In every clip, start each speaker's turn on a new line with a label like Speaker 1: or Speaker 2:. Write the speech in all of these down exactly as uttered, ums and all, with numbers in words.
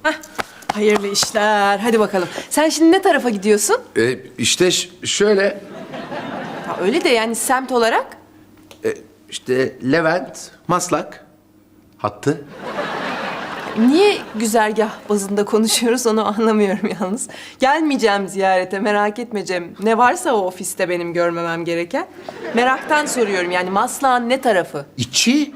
Speaker 1: Hayırlı işler. Hadi bakalım. Sen şimdi ne tarafa gidiyorsun?
Speaker 2: E, işte ş- şöyle,
Speaker 1: Ha, öyle de yani semt olarak.
Speaker 2: e, işte Levent, Maslak hattı.
Speaker 1: Niye güzergah bazında konuşuyoruz onu anlamıyorum yalnız. Gelmeyeceğim ziyarete, merak etme Cem. Ne varsa o ofiste benim görmemem gereken. Meraktan soruyorum yani Maslak'ın ne tarafı?
Speaker 2: İçi.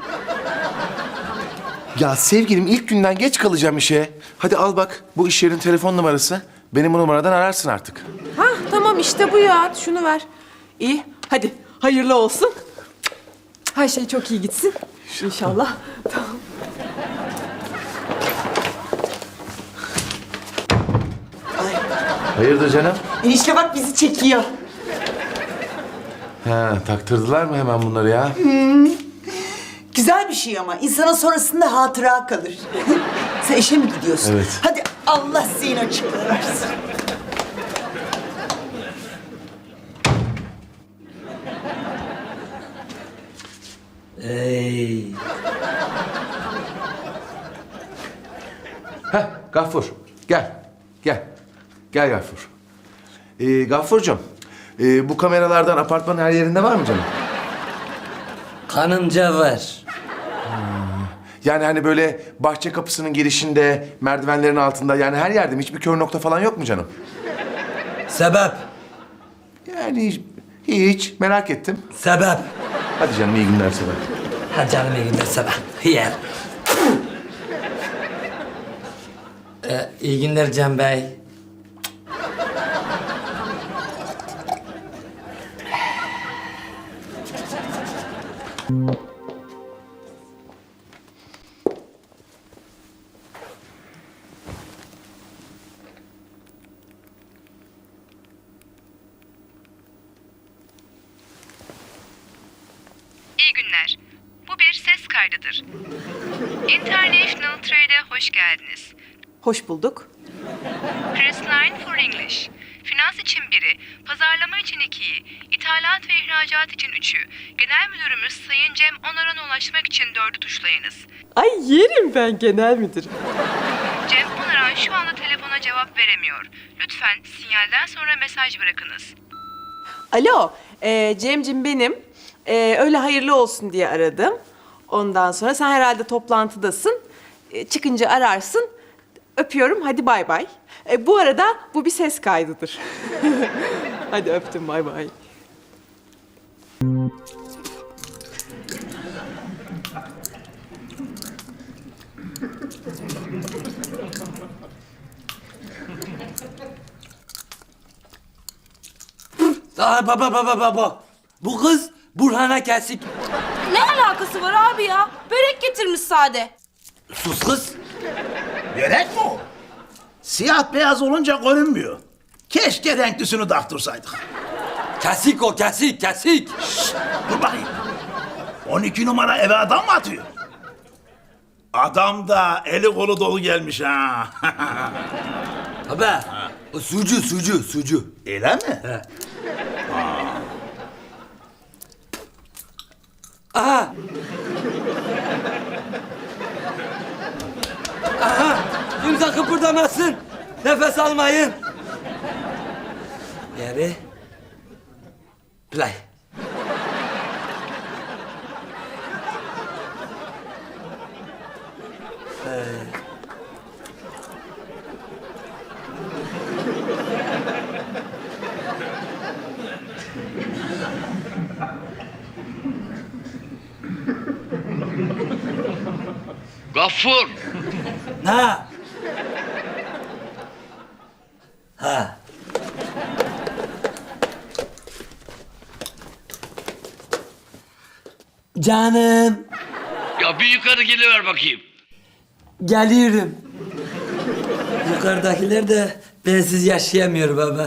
Speaker 2: Ya sevgilim ilk günden geç kalacağım işe. Hadi al bak bu iş yerinin telefon numarası. Benim bu numaradan ararsın artık.
Speaker 1: Ha tamam işte bu ya. Şunu ver. İyi hadi hayırlı olsun. Her şey çok iyi gitsin. İnşallah. Tamam.
Speaker 2: Hayırdır canım?
Speaker 3: Enişte bak bizi çekiyor.
Speaker 2: Ha, taktırdılar mı hemen bunları ya?
Speaker 3: Güzel bir şey ama insana sonrasında hatıra kalır. Sen işe mi gidiyorsun?
Speaker 2: Evet.
Speaker 3: Hadi Allah zihin açıklığı versin.
Speaker 4: Ey.
Speaker 2: Heh, Gaffur gel. Gel. Gel Gaffur. Ee, Gaffurcuğum, e, bu kameralardan apartmanın her yerinde var mı canım?
Speaker 4: Kanımca var.
Speaker 2: Yani hani böyle bahçe kapısının girişinde, merdivenlerin altında yani her yerde mi? Hiçbir kör nokta falan yok mu canım?
Speaker 4: Sebep.
Speaker 2: Yani hiç merak ettim.
Speaker 4: Sebep.
Speaker 2: Hadi canım iyi günler sana.
Speaker 4: Ha canım iyi günler sebep. Yer. ee, iyi günler Can Bey.
Speaker 5: İyi günler. Bu bir ses kaydıdır. International Trade'e hoş geldiniz.
Speaker 1: Hoş bulduk.
Speaker 5: Press nine for English. Finans için biri, pazarlama için ikiyi, ithalat ve ihracat için üçü, genel müdürümüz Sayın Cem Onaran'a ulaşmak için dördü tuşlayınız.
Speaker 1: Ay yerim ben genel müdürüm.
Speaker 5: Cem Onaran şu anda telefona cevap veremiyor. Lütfen sinyalden sonra mesaj bırakınız.
Speaker 1: Alo, e, Cemcim benim. E, öyle hayırlı olsun diye aradım. Ondan sonra sen herhalde toplantıdasın. E, çıkınca ararsın. Öpüyorum, hadi bay bay. E, bu arada bu bir ses kaydıdır. Hadi öptüm, bay bay.
Speaker 4: Aa, baba baba baba. Bu kız Burhan'a kesik.
Speaker 6: Ne alakası var abi ya? Börek getirmiş sade.
Speaker 4: Sus kız.
Speaker 7: Börek mi o? Siyah beyaz olunca görünmüyor. Keşke renklisini taktırsaydık.
Speaker 4: Kesik o kesik kesik.
Speaker 7: Dur bakayım. on iki numara eve adam mı atıyor? Adam da eli kolu dolu gelmiş ha.
Speaker 4: Baba. O sucu sucu sucu.
Speaker 7: Öyle mi?
Speaker 4: He. Aha. Aha. Kimse kıpırdamasın. Nefes almayın. Geri. Play. Ee.
Speaker 8: Gaffur!
Speaker 4: Ha. Ha. Canım.
Speaker 8: Ya bir yukarı geliver bakayım.
Speaker 4: Geliyorum. Yukarıdakiler de bensiz yaşayamıyor baba.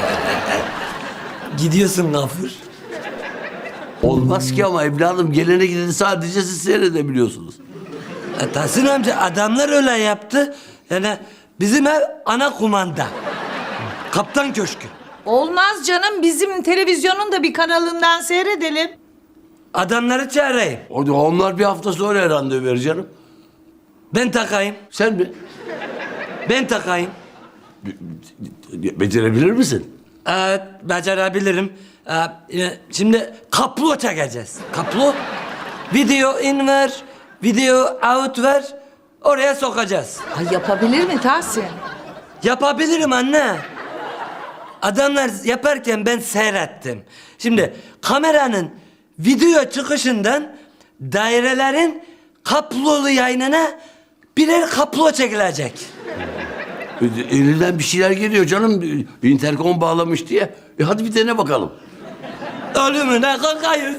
Speaker 4: Gidiyorsun Gafur.
Speaker 9: Olmaz ki ama evladım gelene gideni sadece siz seyredebiliyorsunuz.
Speaker 4: E, Tahsin amca adamlar öyle yaptı. Yani bizim ev ana kumanda. Kaptan köşkü.
Speaker 3: Olmaz canım, bizim televizyonun da bir kanalından seyredelim.
Speaker 4: Adamları çağırayım.
Speaker 9: O- Onlar bir hafta sonra randevu verir canım.
Speaker 4: Ben takayım.
Speaker 9: Sen mi?
Speaker 4: Ben takayım.
Speaker 9: Becerebilir misin?
Speaker 4: Evet, becerebilirim. Ee, şimdi kaplo çekeceğiz. Kaplo. Video in ver, video out ver. Oraya sokacağız.
Speaker 10: Ay yapabilir mi Tahsin?
Speaker 4: Yapabilirim anne. Adamlar yaparken ben seyrettim. Şimdi kameranın video çıkışından dairelerin kaplolu yayınına birer kaplo çekilecek.
Speaker 9: Elinden bir şeyler geliyor canım. Interkom bağlamış diye. E hadi bir dene bakalım.
Speaker 4: Ölümüne kalkayız.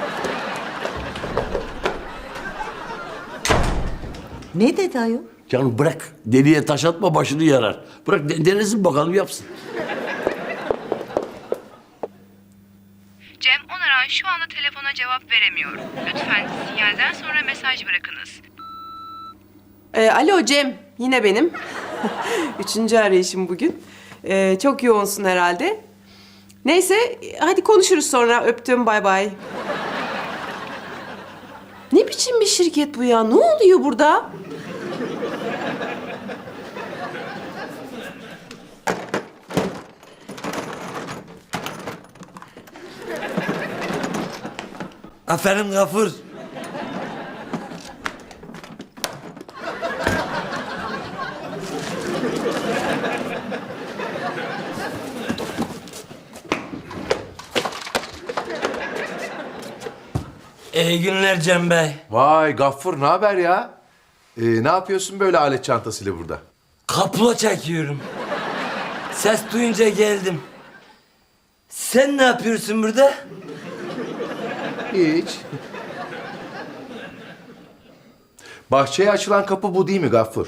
Speaker 3: Ne dedi ayol?
Speaker 9: Canım bırak. Deliye taş atma başını yarar. Bırak de- denesin bakalım yapsın.
Speaker 5: Cem Onaran şu anda telefona cevap veremiyor. Lütfen sinyalden sonra mesaj bırakınız.
Speaker 1: Ee, alo Cem, yine benim. Üçüncü arayışım bugün. Ee, çok yoğunsun herhalde. Neyse, hadi konuşuruz sonra. Öptüm, bay bay. Ne biçim bir şirket bu ya? Ne oluyor burada?
Speaker 4: Aferin Gafur. İyi günler Cem Bey.
Speaker 2: Vay Gaffur ne haber ya? Ee, ne yapıyorsun böyle alet çantasıyla burada?
Speaker 4: Kaplo çekiyorum. Ses duyunca geldim. Sen ne yapıyorsun burada?
Speaker 2: Hiç. Bahçeye açılan kapı bu değil mi Gaffur?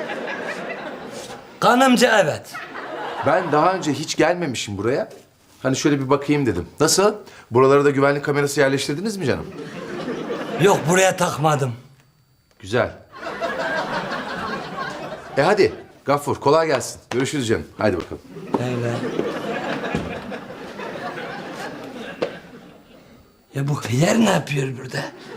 Speaker 4: Kanımca evet.
Speaker 2: Ben daha önce hiç gelmemişim buraya. Hani şöyle bir bakayım dedim. Nasıl? Buralara da güvenlik kamerası yerleştirdiniz mi canım?
Speaker 4: Yok buraya takmadım.
Speaker 2: Güzel. E hadi Gaffur kolay gelsin. Görüşürüz canım. Haydi bakalım.
Speaker 4: Öyle. Ya bu hıyar ne yapıyor burada?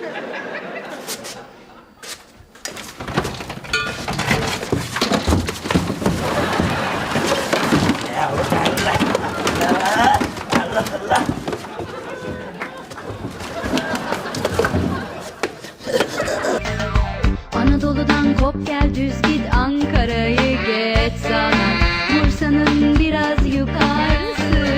Speaker 11: Anadolu'dan kop gel düz git Ankara'yı geç sana Bursa'nın biraz yukarısı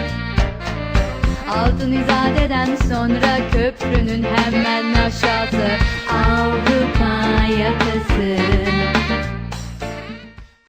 Speaker 11: Altın İzade'den sonra köprünün hemen aşağısı Avrupa yakası